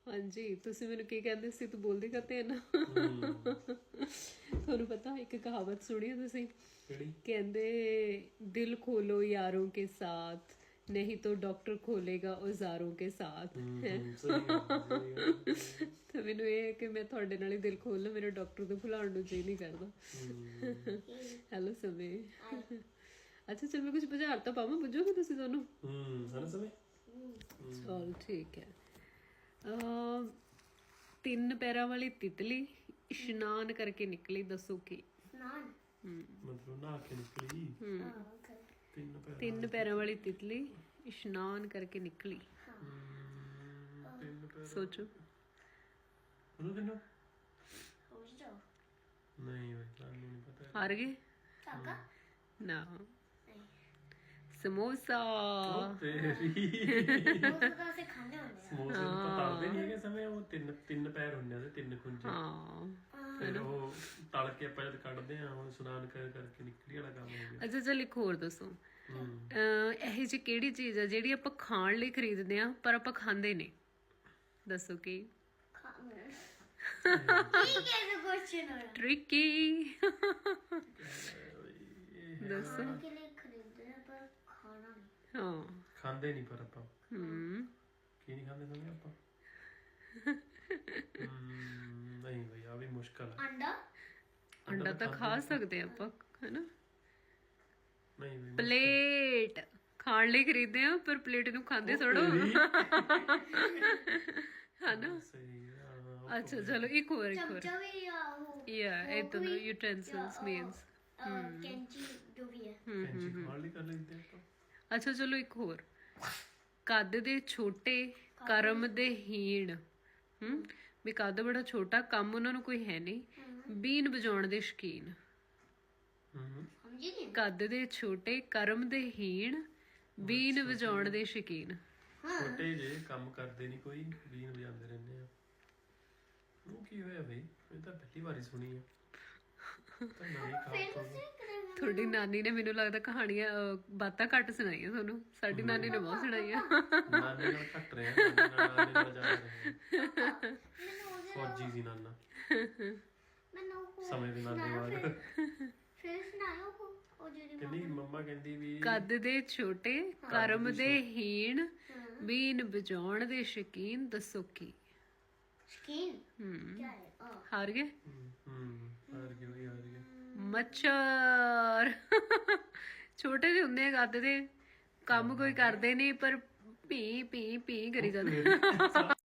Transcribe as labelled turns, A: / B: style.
A: ਹਾਂਜੀ ਤੁਸੀਂ ਮੈਨੂੰ ਕੀ ਕਹਿੰਦੇ ਸੀ ਤੂੰ ਬੋਲਦੀ ਕਾਤੇ ਨਾ ਤੁਹਾਨੂੰ ਪਤਾ ਇੱਕ ਕਹਾਵਤ ਸੁਣੀ ਹੈ ਤੁਸੀਂ ਕਹਿੰਦੇ ਦਿਲ ਖੋਲੋ यारों के साथ नहीं तो डॉक्टर खोलेगा औजारों के साथ ਤੇ ਮੈਨੂੰ ਇਹ ਹੈ ਕਿ ਮੈਂ ਤੁਹਾਡੇ ਨਾਲ ਹੀ ਦਿਲ ਖੋਲ ਲਾਂ ਮੇਰੇ ਡਾਕਟਰ ਤੋਂ ਭੁਲਾਉਣ ਨੂੰ ਜੀ ਨਹੀਂ ਕਰਦਾ ਹੈਲੋ ਸਮੇ ਅੱਛਾ ਚਲ ਮੈਂ ਕੁਝ ਬਾਜ਼ਾਰ ਤਾਂ ਪਾਵਾਂ ਪੁੱਜੋਗੇ ਤੁਸੀਂ ਦੋਨੋਂ
B: ਹਨਾ ਸਮੇ
A: ਚਲ ਠੀਕ ਹੈ ਤਿੰਨ ਪੈਰਾਂ ਵਾਲੀ ਤਿਤਲੀ ਇਸ਼ਨਾਨ ਕਰਕੇ ਨਿਕਲੀ ਦੱਸੋ ਕੀ
C: स्नान
B: ਮਤਲਬ ਨਹਾ ਕੇ ਨਿਕਲੀ
A: ਤਿੰਨ ਪੈਰਾਂ ਵਾਲੀ ਤਿਤਲੀ ਇਸ਼ਨਾਨ ਕਰਕੇ ਨਿਕਲੀ ਸੋਚੋ
B: ਉਹਨੂੰ ਕਿੰਨਾ
C: हो जाओ
B: ਨਹੀਂ ਬਈ ਤੁਹਾਨੂੰ ਨਹੀਂ ਪਤਾ
A: ਹਾਰ ਗਏ
C: काका
A: ਨਾ ਸਮੋਸਾ
B: ਤੇਰੀ
C: वो तो से खाने होंगे
B: ਸਮੋਸੇ ਨੂੰ ਪਤਾਲਦੇ ਨਹੀਂ ਹੈਗੇ ਸਮੇਂ ਉਹ ਤਿੰਨ ਪੈਰ ਹੁੰਦੇ ਆ ਤੇ ਤਿੰਨ ਖੁੰਝੇ
A: ਹਾਂ
B: ਫਿਰ ਉਹ ਤਲ ਕੇ ਆਪਾਂ ਜਦ ਕੱਢਦੇ ਆ ਹੁਣ ਇਸ਼ਨਾਨ ਕਰਕੇ ਨਿਕਲੀ ਵਾਲਾ ਕੰਮ ਹੋ ਗਿਆ
A: ਅੱਛਾ ਚਲ ਇੱਕ ਹੋਰ ਦੱਸੋ ਇਹ ਜੀ ਕਿਹੜੀ ਚੀਜ਼ ਆ ਜਿਹੜੀ ਆਪਾਂ ਖਾਣ ਲਈ ਖਰੀਦਦੇ ਆ ਪਰ ਆਪਾਂ ਖਾਂਦੇ ਨਹੀਂ ਦੱਸੋ ਕੀ
C: ठीक है तो क्वेश्चन हो रहा
A: ਟ੍ਰਿਕੀ ਦੱਸੋ
C: है के लिए खरीदते हैं पर खाना नहीं
A: ਹਾਂ
B: ਖਾਂਦੇ ਨਹੀਂ ਪਰ ਆਪਾਂ ਕੀ ਨਹੀਂ ਖਾਂਦੇ ਸਮੇਂ ਆਪਾਂ ਨਹੀਂ ਬਈ ਆ ਵੀ ਮੁਸ਼ਕਲ ਆ
C: अंडा
A: ਅੰਡਾ ਤਾਂ ਖਾ ਸਕਦੇ ਆ ਆਪਾਂ ਹੈਨਾ
B: ਨਹੀਂ ਬਈ
A: ਪਲੇਟ ਖਾਣ ਲਈ ਖਰੀਦਦੇ ਆ ਪਰ ਪਲੇਟ ਨੂੰ ਖਾਂਦੇ ਥੋੜੋ ਹਨਾ
B: ਸਹੀ
A: ਅੱਛਾ ਚਲੋ ਇੱਕ ਹੋਰ
C: चमचा भी या वो
A: ਇਹ ਤਾਂ ਯੂਟੈਂਸਿਲਸ ਮੀਨਸ
C: कैंची जो भी है
B: ਕੈਂਚੀ ਖਾਣ ਲਈ ਕਰ ਲੈਂਦੇ ਆਪਾਂ
A: ਅੱਛਾ ਚਲੋ ਇੱਕ ਹੋਰ ਕੱਦ ਦੇ ਛੋਟੇ ਕਰਮ ਦੇ ਹੀਣ ਵੀ ਕੱਦ ਬੜਾ ਛੋਟਾ ਕੰਮ ਉਹਨਾਂ ਨੂੰ ਕੋਈ ਹੈ ਨਹੀਂ ਬੀਨ ਵਜਾਉਣ ਦੇ ਸ਼ੌਕੀਨ
C: समझी नहीं
A: ਕੱਦ ਦੇ ਛੋਟੇ ਕਰਮ ਦੇ ਹੀਣ ਬੀਨ ਵਜਾਉਣ ਦੇ ਸ਼ੌਕੀਨ
B: ਛੋਟੇ ਜੇ ਕੰਮ ਕਰਦੇ ਨਹੀਂ ਕੋਈ ਬੀਨ ਵਜਾਉਂਦੇ ਰਹਿੰਦੇ ਆ ਉਹ ਕੀ ਹੋਇਆ ਬਈ ਇਹ ਤਾਂ ਪਹਿਲੀ ਵਾਰੀ ਸੁਣੀ ਆ ਤਾਂ ਨਵੀਂ ਕਹਾਵਤ
A: ਤੁਹਾਡੀ ਨਾਨੀ ਨੇ ਮੈਨੂੰ ਲੱਗਦਾ ਕਹਾਣੀਆਂ ਬਾਤਾਂ ਘੱਟ ਸੁਣਾਈਆਂ ਤੁਹਾਨੂੰ ਸਾਡੀ ਨਾਨੀ ਨੇ ਬਹੁਤ ਸੁਣਾਈਆਂ
B: ਨਾਨੇ ਨਾਲ ਘੱਟ ਰਿਹਾ ਨਾਨੇ ਨਾਲ ਜਾ ਰਿਹਾ ਫੌਜੀ ਸੀ ਨਾਨਾ
C: मैंने
B: ਸਮੇਂ ਦੇ ਨਾਨੇ ਬਾਅਦ
C: फिर सुनाया वो जो
B: ਕਹਿੰਦੀ ਮੰਮਾ ਕਹਿੰਦੀ ਵੀ
A: ਕੱਦ ਦੇ ਛੋਟੇ ਕਰਮ ਦੇ ਹੀਣ ਬੀਨ ਵਜਾਉਣ ਦੇ ਸ਼ੌਕੀਨ ਦੱਸੋ ਕੀ
C: स्किन क्या है
A: ਹਾਰ ਗਏ
B: ਹਾਰ ਗਏ
A: ਮੱਛਰ ਛੋਟੇ ਜਿਹੇ ਹੁੰਦੇ ਆ ਕੱਦ ਦੇ ਕੰਮ ਕੋਈ ਕਰਦੇ ਨਹੀਂ ਪਰ ਪੀ ਪੀ ਪੀ ਕਰੀ ਜਾਂਦੇ